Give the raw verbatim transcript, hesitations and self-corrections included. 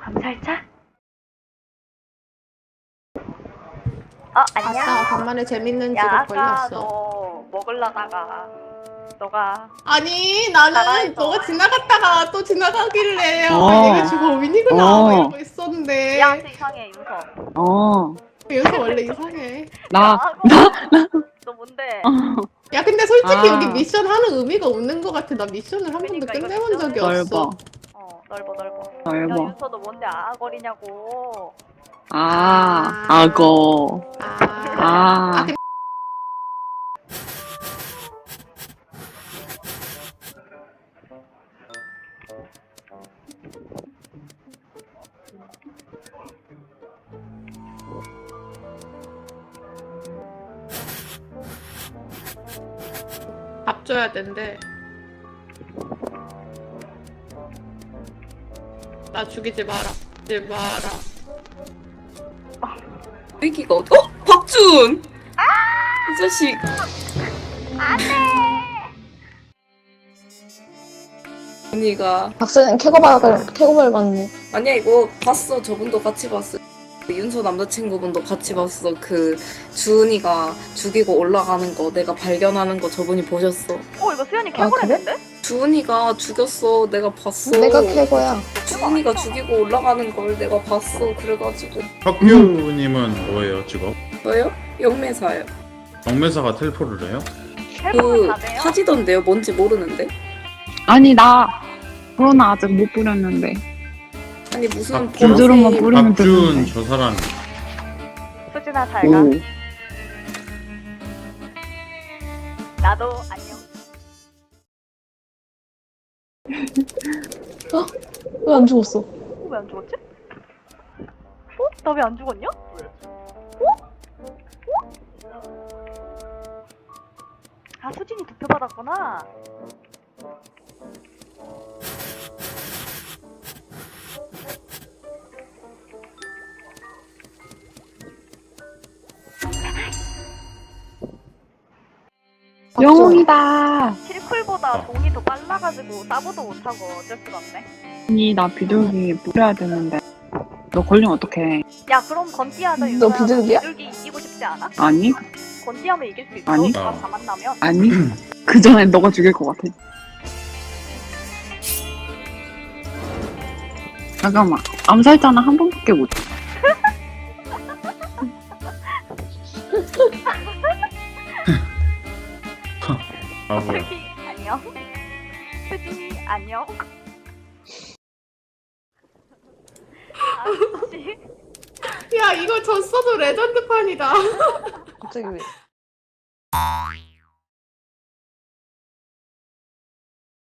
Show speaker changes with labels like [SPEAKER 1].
[SPEAKER 1] 감살차? 어, 안녕.
[SPEAKER 2] 아싸, 간만에 재밌는
[SPEAKER 1] 야,
[SPEAKER 2] 직업
[SPEAKER 1] 아까
[SPEAKER 2] 걸렸어.
[SPEAKER 1] 너 먹으려다가 너가
[SPEAKER 2] 아니, 나는
[SPEAKER 1] 나라에서.
[SPEAKER 2] 너가 지나갔다가 또 지나가길래 어,
[SPEAKER 3] 어.
[SPEAKER 2] 얘가 주범인이구나
[SPEAKER 3] 어.
[SPEAKER 2] 막 이러고 있었는데
[SPEAKER 1] 얘한테 이상해, 윤서.
[SPEAKER 3] 어,
[SPEAKER 2] 여기서 원래 이상해.
[SPEAKER 3] 나,
[SPEAKER 1] 야, 나, 너 뭔데?
[SPEAKER 2] 야, 근데 솔직히
[SPEAKER 3] 아.
[SPEAKER 2] 여기 미션 하는 의미가 없는 것 같아. 나 미션을 한 번도
[SPEAKER 1] 그러니까 이거
[SPEAKER 2] 끝내본 적이
[SPEAKER 1] 미션을-
[SPEAKER 2] 없어.
[SPEAKER 3] 넓어,
[SPEAKER 1] 어, 넓어, 넓어. 야,
[SPEAKER 3] 넓어.
[SPEAKER 1] 윤서 너 뭔데 아거리냐고.
[SPEAKER 3] 아, 악어.
[SPEAKER 2] 아,
[SPEAKER 3] 아,
[SPEAKER 2] 밥 줘야 된대. 나 죽이지 마라. 죽이지 마라.
[SPEAKER 4] 여기가 어디? 어? 박준! 이 자식. 언니가
[SPEAKER 5] 박사는 캐고발 캐고발 봤네.
[SPEAKER 4] 아니야 이거 봤어. 저분도 같이 봤어. 그 윤서 남자친구분도 같이 봤어. 그 주은이가 죽이고 올라가는 거 내가 발견하는 거 저분이 보셨어.
[SPEAKER 1] 어, 이거 수연이
[SPEAKER 5] 아,
[SPEAKER 1] 캐버렸는데?
[SPEAKER 4] 주은이가 죽였어. 내가 봤어.
[SPEAKER 5] 내가 캐고야.
[SPEAKER 4] 주은이가 죽이고 올라가는 걸 내가 봤어. 그래가지고
[SPEAKER 6] 혁규님은 뭐예요 직업?
[SPEAKER 4] 저요? 영매사요.
[SPEAKER 6] 정매사가 텔포를 해요?
[SPEAKER 1] 텔포는
[SPEAKER 4] 그
[SPEAKER 1] 다 돼요?
[SPEAKER 4] 타지던데요? 뭔지 모르는데.
[SPEAKER 3] 아니, 나, 코로나 아직 못 부렸는데.
[SPEAKER 4] 아니 무슨
[SPEAKER 6] 박준.
[SPEAKER 3] 부드러운 거
[SPEAKER 4] 보라색-
[SPEAKER 3] 부르면
[SPEAKER 6] 박준
[SPEAKER 3] 되는데.
[SPEAKER 6] 저 사람
[SPEAKER 1] 수진아, 잘 가.
[SPEAKER 3] 오.
[SPEAKER 1] 나도 안녕.
[SPEAKER 5] 왜 안 죽었어?
[SPEAKER 1] 어, 왜 안 죽었지? 어? 나 왜 안 죽었냐? 어? 어? 아, 수진이 투표 받았구나.
[SPEAKER 3] 영웅이다.
[SPEAKER 1] 킬쿨보다 돈이 더 빨라가지고 따보도 못하고 어쩔 수가 없네.
[SPEAKER 3] 아니, 나 비둘기 뿌려야 되는데. 너 걸리면 어떡해.
[SPEAKER 1] 야, 그럼 건띠하자,
[SPEAKER 5] 너
[SPEAKER 1] 윤서야.
[SPEAKER 5] 비둘기야?
[SPEAKER 1] 비둘기 이기고 싶지 않아?
[SPEAKER 3] 아니,
[SPEAKER 1] 건띠하면 이길 수 있어.
[SPEAKER 3] 아니.
[SPEAKER 1] 다 다 만나면.
[SPEAKER 3] 아니. 그 전에 너가 죽일 것 같아. 잠깐만. 암살자는 한 번밖에 못.
[SPEAKER 6] 바보야.
[SPEAKER 1] 수지, 안녕. 수진이, 안녕. 아씨.
[SPEAKER 2] 야, 이거 졌어도 레전드판이다.
[SPEAKER 5] 갑자기 왜?